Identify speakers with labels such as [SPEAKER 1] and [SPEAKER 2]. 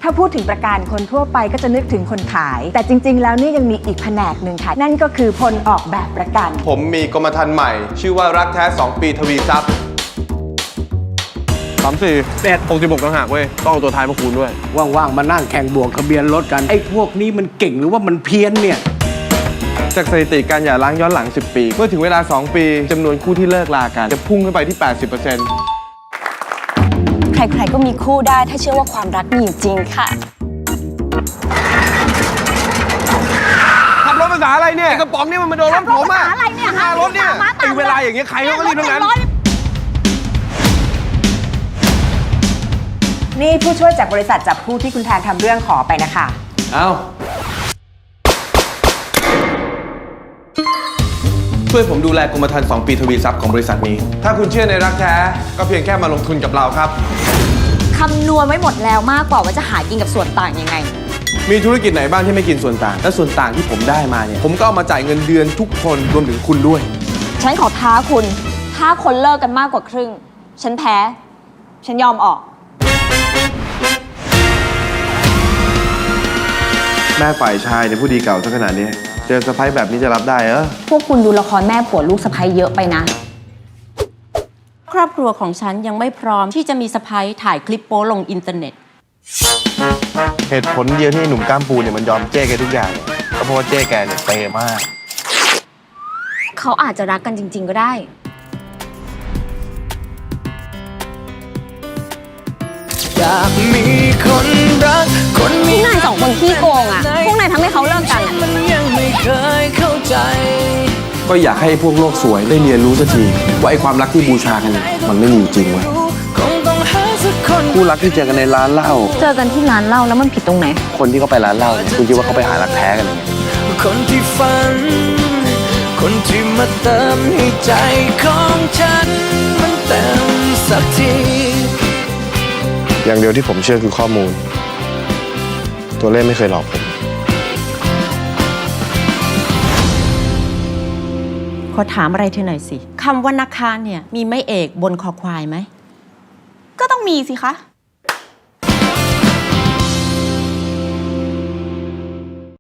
[SPEAKER 1] าพูดถึงประกันคนทั่วไปก็จะนึกถึงคนขายแต่จริงๆแล้วนี่ยังมีอีกแผนกหนึ่งค่ะนั่นก็คือพลออกแบบประกัน
[SPEAKER 2] ผมมีกรมธรรม์ใหม่ชื่อว่ารักแท้2 ปีทวีทรัพย์64 66ต่างหากเว้ยต้องเอาตัวท้ายมาคูณด้วย
[SPEAKER 3] ว่างๆมานั่งแข่งบวกทะเบียนรถกันไอ้พวกนี้มันเก่งหรือว่ามันเพี้ยนเนี่ย
[SPEAKER 2] จากสถิติการหย่าร้างย้อนหลัง10 ปีเมื่อถึงเวลา2 ปีจำนวนคู่ที่เลิกลากันจะพุ่งขึ้นไปที่ 80%
[SPEAKER 4] ใครๆก็มีคู่ได้ถ้าเชื่อว่าความรักมีอยู่จริงค่ะ
[SPEAKER 2] ขับรถภาษาอะไรเนี่ยกระป๋องนี่มันมาโดนรถผมอะ
[SPEAKER 4] อะไรเนี่ย
[SPEAKER 2] หน้ารถเนี่ยไอ้เวลาอย่างเงี้ยใครเขาก็รีบทั้งนั้น
[SPEAKER 1] นี่ผู้ช่วยจากบริษัทจับคู่ที่คุณแทนทำเรื่องขอไปนะคะ
[SPEAKER 2] เอาช่วยผมดูแลกรมธรรม์2 ปีทวีทรัพย์ของบริษัทนี้ถ้าคุณเชื่อในรักแท้ก็เพียงแค่มาลงทุนกับเราครับ
[SPEAKER 4] คำนวณไว้หมดแล้วมากกว่าว่าจะหากินกับส่วนต่างยังไง
[SPEAKER 2] มีธุรกิจไหนบ้างที่ไม่กินส่วนต่างและส่วนต่างที่ผมได้มาเนี่ยผมก็เอามาจ่ายเงินเดือนทุกคนรวมถึงคุณด้วย
[SPEAKER 4] ฉันขอท้าคุณถ้าคนเลิกกันมากกว่าครึ่งฉันแพ้ฉันยอมออก
[SPEAKER 2] แม่ฝ่ายชายเนี่ยผู้ดีเก่าซะขนาดนี้เจอสะพ้ายแบบนี้จะรับได้เหรอ
[SPEAKER 4] พวกคุณดูละครแม่ผัวลูกสะพ้ายเยอะไปนะ
[SPEAKER 5] ครอบครัวของฉันยังไม่พร้อมที่จะมีสะพ้ายถ่ายคลิปโป๊ลงอินเทอร์เน็ต
[SPEAKER 2] เหตุผลเดียวที่หนุ่มก้ามปูเนี่ยมันยอมเจ๊แกทุกอย่างก็เพราะว่าเจ๊แกเนี่ยเปย์มาก
[SPEAKER 4] เขาอาจจะรักกันจริงๆก็ได้
[SPEAKER 6] อยากมีคนรักคน
[SPEAKER 4] พวกนายสองคนขี้โกงอ่ะพวกนายทำให้เขาเลิกกัน
[SPEAKER 6] มันยังไม่เคยเข้าใจ
[SPEAKER 2] ก็อยากให้พวกโลกสวยได้เรียนรู้สักทีว่าไอ้ความรักที่บูชากันมันไม่มีอยู่จริงเว้ยคู่รักที่เจอกันในร้านเหล้า
[SPEAKER 4] เจอกันที่ร้านเหล้าแล้วมันผิดตรงไหน
[SPEAKER 2] คนที่เขาไปร้านเหล้าเนี่ยคุณคิดว่าเขาไปหารักแท้กันยังไง
[SPEAKER 6] คนที่ฝันคนที่มาเติมให้ใจของฉันมันเต็มสักที
[SPEAKER 2] อย่างเดียวที่ผมเชื่อคือข้อมูลตัวเลขไม่เคยหลอกผม
[SPEAKER 5] ขอถามอะไรเธอหน่อยสิคำว่านักค้าเนี่ยมีไม้เอกบนคอควายไหม
[SPEAKER 4] ก็ต้องมีสิคะ